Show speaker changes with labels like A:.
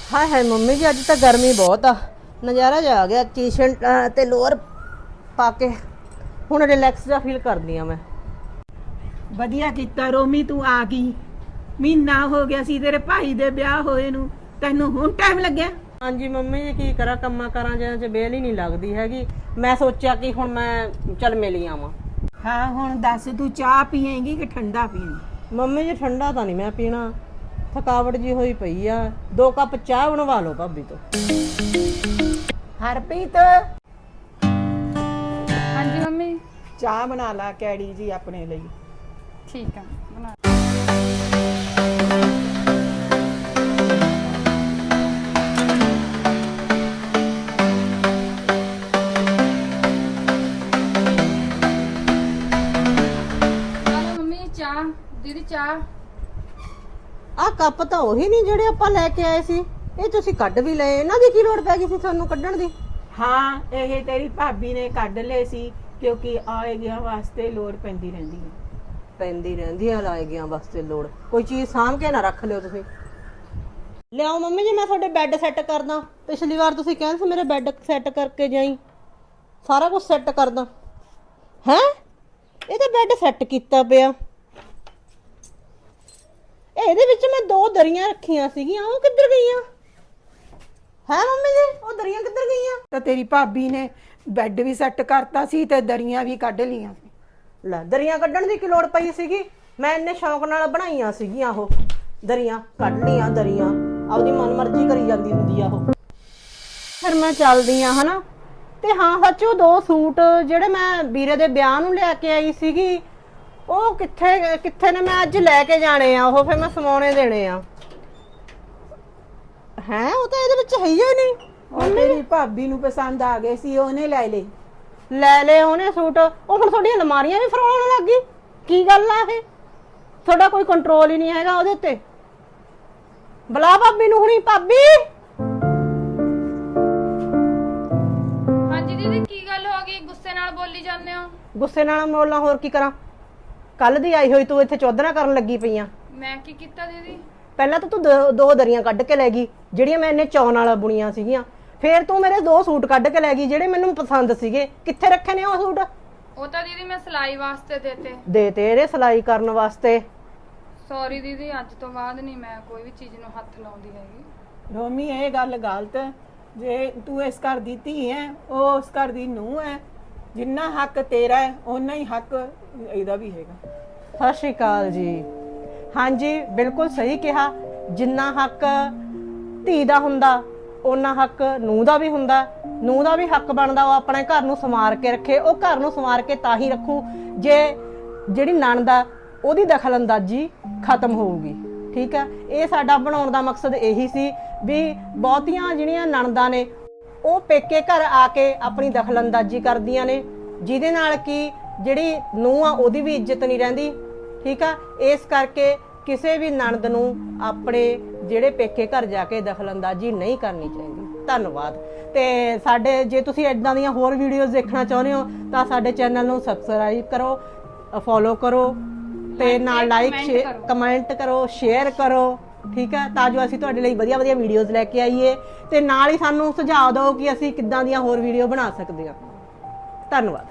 A: हाय हाय mummy जी अज तो गर्मी बहुत आ नज़ारा जा आ गया टी शर्ट ते लोअर पा के हुण रिलैक्स जा फील करदी आ मैं।
B: ਵਧੀਆ ਕੀਤਾ ਰੋਮੀ ਤੂੰ ਆ ਗਈ। ਮਹੀਨਾ ਹੋ ਗਿਆ ਸੀ ਤੇਰੇ ਭਾਈ ਦੇ ਵਿਆਹ ਹੋਏ ਨੂੰ, ਤੈਨੂੰ ਹੁਣ ਟਾਈਮ ਲੱਗਿਆ।
A: हाँ जी मम्मी जी की करा कम्मा करा च बेल ही नहीं लगती हैगी। मैं सोचा कि हुण मैं चल मिल आवां।
B: ਹਾਂ ਹੁਣ ਦੱਸ ਤੂੰ ਚਾਹ ਪੀਏਂਗੀ ਕਿ ਠੰਡਾ ਪੀਏਂਗੀ?
A: मम्मी जी ठंडा तो नहीं मैं पीना, थकावट जी हुई पई आ। 2 कप चाह बनवा लो भाभी तो।
B: ਹਰਪ੍ਰੀਤ
C: हाँ जी मम्मी
B: ਚਾਹ ਬਣਾ ਲਾ ਕੈੜੀ ਜੀ ਆਪਣੇ ਲਈ।
C: ठीक है बना। हेलो मम्मी चाह दीदी चाह।
A: ਆ ਕੱਪ ਤਾਂ ਉਹੀ ਨਹੀਂ ਜਿਹੜੇ ਆਪਾਂ ਲੈ ਕੇ ਆਏ ਸੀ, ਇਹ ਤੁਸੀਂ ਕੱਢ ਵੀ ਲਏ। ਇਹਨਾਂ ਦੀ ਕੀ ਲੋੜ ਪੈ ਗਈ ਸੀ ਤੁਹਾਨੂੰ ਕੱਢਣ ਦੀ?
B: ਹਾਂ ਇਹ ਤੇਰੀ ਭਾਬੀ ਨੇ ਕੱਢ ਲਏ ਸੀ ਕਿਉਂਕਿ ਆਏ ਗਿਆ ਵਾਸਤੇ ਲੋੜ ਪੈਂਦੀ ਰਹਿੰਦੀ ਹੈ।
A: ਪੈਂਦੀ ਰਹਿੰਦੀ ਆ ਲਾਏ ਗਿਆ ਵਾਸਤੇ ਲੋੜ। ਕੋਈ ਚੀਜ਼ ਸਾਂਭ ਕੇ ਨਾ ਰੱਖ ਲਿਓ ਤੁਸੀਂ। ਲਿਆਓ ਮੰਮੀ ਜੀ ਮੈਂ ਤੁਹਾਡੇ ਬੈੱਡ ਸੈੱਟ ਕਰਦਾ। ਪਿਛਲੀ ਵਾਰ ਤੁਸੀਂ ਕਹਿੰਦੇ ਸੀ ਮੇਰੇ ਬੈੱਡ ਸੈੱਟ ਕਰਕੇ ਜਾਈ, ਸਾਰਾ ਕੁਝ ਸੈੱਟ ਕਰਦਾ। ਹੈ ਇਹ ਤਾਂ ਬੈੱਡ ਸੈੱਟ ਕੀਤਾ ਪਿਆ। ਇਹਦੇ ਵਿੱਚ ਮੈਂ 2 ਦਰੀਆਂ ਰੱਖੀਆਂ ਸੀਗੀਆਂ, ਉਹ ਕਿੱਧਰ ਗਈਆਂ? ਹੈ ਮੰਮੀ ਜੀ ਉਹ ਦਰੀਆਂ ਕਿੱਧਰ ਗਈਆਂ?
B: ਤਾਂ ਤੇਰੀ ਭਾਬੀ ਨੇ ਬੈੱਡ ਵੀ ਸੈੱਟ ਕਰਤਾ ਸੀ ਤੇ ਦਰੀਆਂ ਵੀ ਕੱਢ ਲੀਆਂ ਸੀ।
A: ਲੈ ਦਰੀਆਂ ਕੱਢਣ ਦੀ ਕੀ ਲੋੜ ਪਈ ਸੀਗੀ? ਮੈਂ ਇੰਨੇ ਸ਼ੌਂਕ ਨਾਲ ਬਣਾਈਆਂ ਸੀਗੀਆਂ ਉਹ ਦਰੀਆਂ। ਕੱਢ ਲੀਆਂ ਦਰੀਆਂ, ਆਪਦੀ ਮਨਮਰਜ਼ੀ ਕਰੀ ਜਾਂਦੀ ਹੁੰਦੀ ਆ ਉਹ। ਫਿਰ ਮੈਂ ਚੱਲਦੀ ਆ ਹਨਾ। ਤੇ ਹਾਂ ਸੱਚੋ 2 ਸੂਟ ਜਿਹੜੇ ਮੈਂ ਵੀਰੇ ਦੇ ਵਿਆਹ ਨੂੰ ਲੈ ਕੇ ਆਈ ਸੀਗੀ, ਉਹ ਕਿੱਥੇ ਨੇ? ਮੈਂ ਅੱਜ ਲੈ ਕੇ ਜਾਣੇ ਆ ਉਹ, ਫਿਰ ਮੈਂ ਸਮਾਉਣੇ ਦੇਣੇ ਆ। ਹੈ ਉਹ ਤਾਂ ਇਹਦੇ ਵਿੱਚ ਹੈ ਹੀ ਨਹੀਂ।
B: ਉਹ ਤੇਰੀ ਭਾਬੀ ਨੂੰ ਪਸੰਦ ਆ ਗਏ ਸੀ, ਉਹਨੇ ਲੈ ਲਏ।
A: ਲੈ ਲਏ ਉਹਨੇ ਸੂਟ। ਉਹ ਹੁਣ ਤੁਹਾਡੀਆਂ ਅਲਮਾਰੀਆਂ ਵੀ ਫਰੋਲਣ ਲੱਗ ਗਈ। ਕੀ ਗੱਲ ਆ ਇਹ? ਤੁਹਾਡਾ ਕੋਈ ਕੰਟਰੋਲ ਹੀ ਨਹੀਂ ਹੈਗਾ ਉਹਦੇ ਉੱਤੇ। ਬੁਲਾ ਭਾਬੀ ਨੂੰ ਹੁਣੀ। ਭਾਬੀ
C: हाँ जी दीदी की गल हो गई, गुस्से नाल बोली जाने हो?
A: ਗੁੱਸੇ ਨਾਲ ਮੋਲਾਂ ਹੋਰ ਕੀ ਕਰਾਂ? ਕੱਲ ਦੀ ਆਈ ਹੋਈ ਤੂੰ ਇੱਥੇ ਚੌਧਰਾ ਕਰਨ ਲੱਗੀ ਪਈ ਆ।
C: मैं की कीता दीदी?
A: ਪਹਿਲਾਂ ਤਾਂ ਤੂੰ 2 ਦਰੀਆਂ ਕੱਢ ਕੇ ਲੈ ਗਈ ਜਿਹੜੀਆਂ ਮੈਂ ਇੰਨੇ ਚੌਂ ਨਾਲ ਬੁਣੀਆਂ ਸੀਗੀਆਂ। ਫੇਰ ਤੂੰ ਮੇਰੇ 2 ਸੂਟ ਕੱਢ ਕੇ ਲੈ ਗਈ ਜਿਹੜੇ ਮੈਨੂੰ ਪਸੰਦ ਸੀਗੇ। ਕਿੱਥੇ ਰੱਖੇ ਨੇ ਉਹ ਸੂਟ?
C: वो तो दीदी मैं सिलाई वास्ते देते।
A: ਦੇ ਤੇਰੇ ਸਿਲਾਈ ਕਰਨ ਵਾਸਤੇ।
C: सॉरी दीदी अज तो बाद नहीं मैं कोई भी चीज नु हथ लाउंदी हैगी।
B: ਰੋਮੀ ਇਹ ਗੱਲ ਗਲਤ ਹੈ। ਜੇ ਤੂੰ ਇਸ ਘਰ ਦੀ ਧੀ ਹੈ, ਉਹ ਉਸ ਘਰ ਦੀ ਨੂੰਹ ਹੈ। ਜਿੰਨਾ ਹੱਕ ਤੇਰਾ ਹੈ ਓਨਾ ਹੀ ਹੱਕ ਇਹਦਾ ਵੀ ਹੈਗਾ।
A: ਸਤਿ ਸ਼੍ਰੀ ਅਕਾਲ ਜੀ। ਹਾਂਜੀ ਬਿਲਕੁਲ ਸਹੀ ਕਿਹਾ। ਜਿੰਨਾ ਹੱਕ ਧੀ ਦਾ ਹੁੰਦਾ ਓਨਾ ਹੱਕ ਨੂੰਹ ਦਾ ਵੀ ਹੁੰਦਾ। ਨੂੰਹ ਦਾ ਵੀ ਹੱਕ ਬਣਦਾ ਉਹ ਆਪਣੇ ਘਰ ਨੂੰ ਸੰਵਾਰ ਕੇ ਰੱਖੇ। ਉਹ ਘਰ ਨੂੰ ਸੰਵਾਰ ਕੇ ਤਾਂ ਹੀ ਰੱਖੂ ਜੇ ਜਿਹੜੀ ਨਣਦ ਆ ਉਹਦੀ ਦਖਲਅੰਦਾਜ਼ੀ ਖਤਮ ਹੋਊਗੀ। ਠੀਕ ਹੈ, ਇਹ ਸਾਡਾ ਬਣਾਉਣ ਦਾ ਮਕਸਦ ਇਹੀ ਸੀ ਵੀ ਬਹੁਤੀਆਂ ਜਿਹੜੀਆਂ ਨਣਦਾਂ ਨੇ ਉਹ ਪੇਕੇ ਘਰ ਆ ਕੇ ਆਪਣੀ ਦਖਲਅੰਦਾਜ਼ੀ ਕਰਦੀਆਂ ਨੇ, ਜਿਹਦੇ ਨਾਲ ਕਿ ਜਿਹੜੀ ਨੂੰਹ ਆ ਉਹਦੀ ਵੀ ਇੱਜ਼ਤ ਨਹੀਂ ਰਹਿੰਦੀ। ਠੀਕ ਆ, ਇਸ ਕਰਕੇ ਕਿਸੇ ਵੀ ਨਣਦ ਨੂੰ ਆਪਣੇ ਜਿਹੜੇ ਪੇਕੇ ਘਰ ਜਾ ਕੇ ਦਖਲਅੰਦਾਜ਼ੀ ਨਹੀਂ ਕਰਨੀ ਚਾਹੀਦੀ। ਧੰਨਵਾਦ। ਤੇ ਸਾਡੇ ਜੇ ਤੁਸੀਂ ਇਦਾਂ ਦੀਆਂ ਹੋਰ ਵੀਡੀਓਜ਼ ਦੇਖਣਾ ਚਾਹੁੰਦੇ ਹੋ ਤਾਂ ਸਾਡੇ ਚੈਨਲ ਨੂੰ ਸਬਸਕ੍ਰਾਈਬ ਕਰੋ, ਫੋਲੋ ਕਰੋ ਤੇ ਨਾਲ ਲਾਈਕ ਕਮੈਂਟ ਕਰੋ, ਸ਼ੇਅਰ ਕਰੋ। ਠੀਕ ਹੈ, ਤਾਂ ਜੋ ਅਸੀਂ ਤੁਹਾਡੇ ਲਈ ਵਧੀਆ ਵੀਡੀਓਜ਼ ਲੈ ਕੇ ਆਈਏ ਤੇ ਨਾਲ ਹੀ ਸਾਨੂੰ ਸੁਝਾਅ ਦਿਓ ਕਿ ਅਸੀਂ ਕਿੱਦਾਂ ਦੀਆਂ ਹੋਰ ਵੀਡੀਓ ਬਣਾ ਸਕਦੇ ਹਾਂ। ਧੰਨਵਾਦ।